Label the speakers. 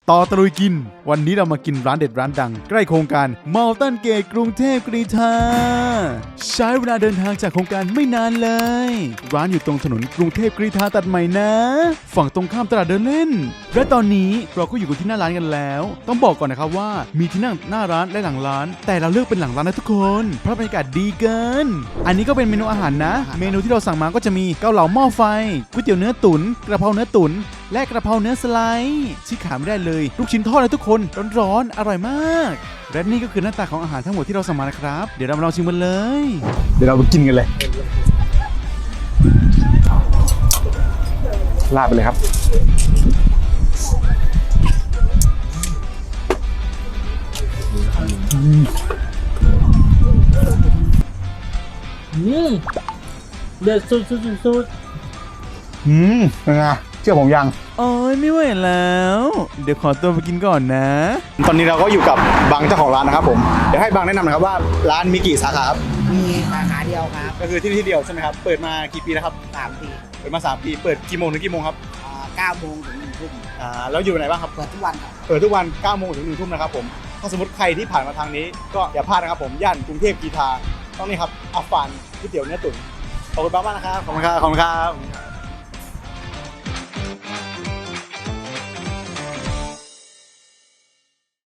Speaker 1: ต่อตะลุยกินวันนี้เรามากินร้านเด็ดร้านดังใกล้โครงการมอลตันเกตกรุงเทพกรีฑาใช้เวลาเดินทางจากโครงการไม่นานเลยร้านอยู่ตรงถนนกรุงเทพกรีฑาตัดใหม่นะฝั่งตรงข้ามตลาดเดินเล่นและตอนนี้เราก็อยู่กันที่หน้าร้านกันแล้วต้องบอกก่อนนะครับว่ามีที่นั่งหน้าร้านและหลังร้านแต่เราเลือกเป็นหลังร้านนะทุกคนเพราะบรรยากาศดีเกินอันนี้ก็เป็นเมนูอาหารนะเมนูที่เราสั่งมาก็จะมีเกาเหลาหม้อไฟก๋วยเตี๋ยวเนื้อตุ๋นกระเพราเนื้อตุ๋นและกระเพราเนื้อสไลด์ที่ขาดไม่ได้เลยลูกชิ้นทอดนะทุกคนร้อนๆอร่อยมากและนี่ก็คือหน้าตาของอาหารทั้งหมดที่เราสั่งมานะครับเดี๋ยวเรามาลองชิมกันเลยเดี๋ยวเราไปกินกันเลยลาดไปเลยครับ
Speaker 2: เด็ดสุด
Speaker 1: เป็นไงเชื่อผมยังโอ้ยไม่ไหวแล้วเดี๋ยวขอตัวไปกินก่อนนะตอนนี้เราก็อยู่กับบังเจ้าของร้านนะครับผมเดี๋ยวให้บังแนะนำหน่อยครับว่าร้านมีกี่สาขาครับ
Speaker 2: มีสาขาเดียวครับ
Speaker 1: ก็คือที่นี่ที่เดียวใช่ไหมครับเปิดมากี่ปีแล้วครับ
Speaker 2: 3 ปี
Speaker 1: เปิดมา3 ปีเปิดกี่โมงถึงกี่โมงครับ
Speaker 2: 9 โมงถึง 1 ทุ่ม
Speaker 1: แล้วอยู่ไหนบ้างครับ
Speaker 2: เปิดทุกวันครับ
Speaker 1: เปิดทุกวัน9 โมงถึง 1 ทุ่มนะครับผมถ้าสมมติใครที่ผ่านมาทางนี้ก็อย่าพลาดนะครับผมย่านกรุงเทพกรีฑาต้องนี่ครับอัฟฟานก๋วยเตี๋ยวเนื้อตุ๋นขอบคุณมากๆนะครับขอบคุณครับ